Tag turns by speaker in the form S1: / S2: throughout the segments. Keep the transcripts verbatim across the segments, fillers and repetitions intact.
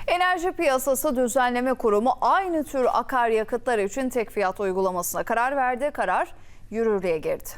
S1: Enerji Piyasası Düzenleme Kurumu aynı tür akaryakıtlar için tek fiyat uygulamasına karar verdi. Karar yürürlüğe girdi.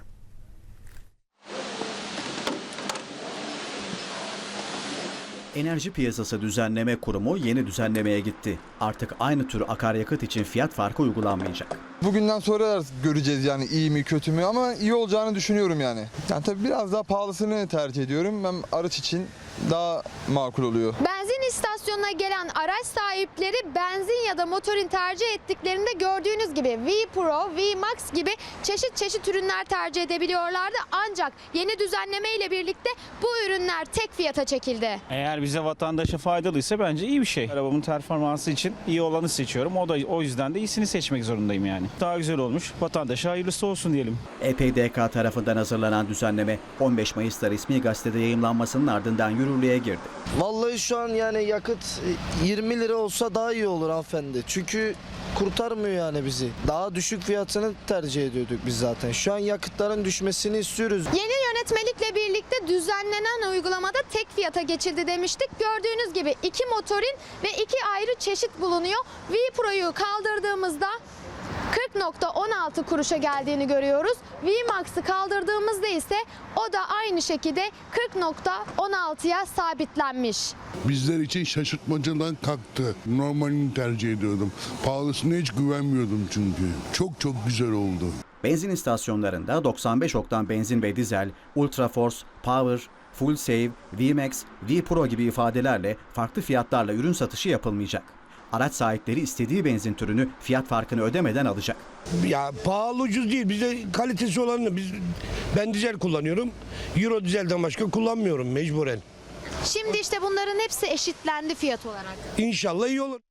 S2: Enerji Piyasası Düzenleme Kurumu yeni düzenlemeye gitti. Artık aynı tür akaryakıt için fiyat farkı uygulanmayacak.
S3: Bugünden sonra göreceğiz yani iyi mi kötü mü, ama iyi olacağını düşünüyorum yani. Yani tabii biraz daha pahalısını tercih ediyorum. Ben araç için daha makul oluyor.
S4: Benzin istasyonuna gelen araç sahipleri benzin ya da motorin tercih ettiklerinde gördüğünüz gibi V-Pro, V-Max gibi çeşit çeşit ürünler tercih edebiliyorlardı. Ancak yeni düzenleme ile birlikte bu ürünler tek fiyata çekildi.
S5: Eğer bize vatandaşa faydalıysa bence iyi bir şey. Arabamın performansı için iyi olanı seçiyorum. O da o yüzden de iyisini seçmek zorundayım yani. Daha güzel olmuş. Vatandaşa hayırlısı olsun diyelim.
S2: E P D K tarafından hazırlanan düzenleme on beş Mayıs'ta resmi gazetede yayımlanmasının ardından yürürlüğe girdi.
S6: Vallahi şu an yani yakıt yirmi lira olsa daha iyi olur hanımefendi. Çünkü kurtarmıyor yani bizi. Daha düşük fiyatını tercih ediyorduk biz zaten. Şu an yakıtların düşmesini istiyoruz.
S4: Yeni yönetmelikle birlikte düzenlenen uygulamada tek fiyata geçildi demiştik. Gördüğünüz gibi iki motorin ve iki ayrı çeşit bulunuyor. V-Pro'yu kaldırdığımızda kırk nokta on altı kuruşa geldiğini görüyoruz. V-Max'ı kaldırdığımızda ise o da aynı şekilde kırk nokta on altıya sabitlenmiş.
S7: Bizler için şaşırtmacadan kalktı. Normalini tercih ediyordum. Pahalısına hiç güvenmiyordum çünkü. Çok çok güzel oldu.
S2: Benzin istasyonlarında doksan beş oktan benzin ve dizel, Ultra Force, Power, Full Save, V-Max, V-Pro gibi ifadelerle farklı fiyatlarla ürün satışı yapılmayacak. Araç sahipleri istediği benzin türünü fiyat farkını ödemeden alacak.
S8: Ya pahalı ucuz değil. Bize kalitesi olanı biz ben dizel kullanıyorum. Euro dizelden başka kullanmıyorum mecburen.
S4: Şimdi işte bunların hepsi eşitlendi fiyat olarak.
S8: İnşallah iyi olur.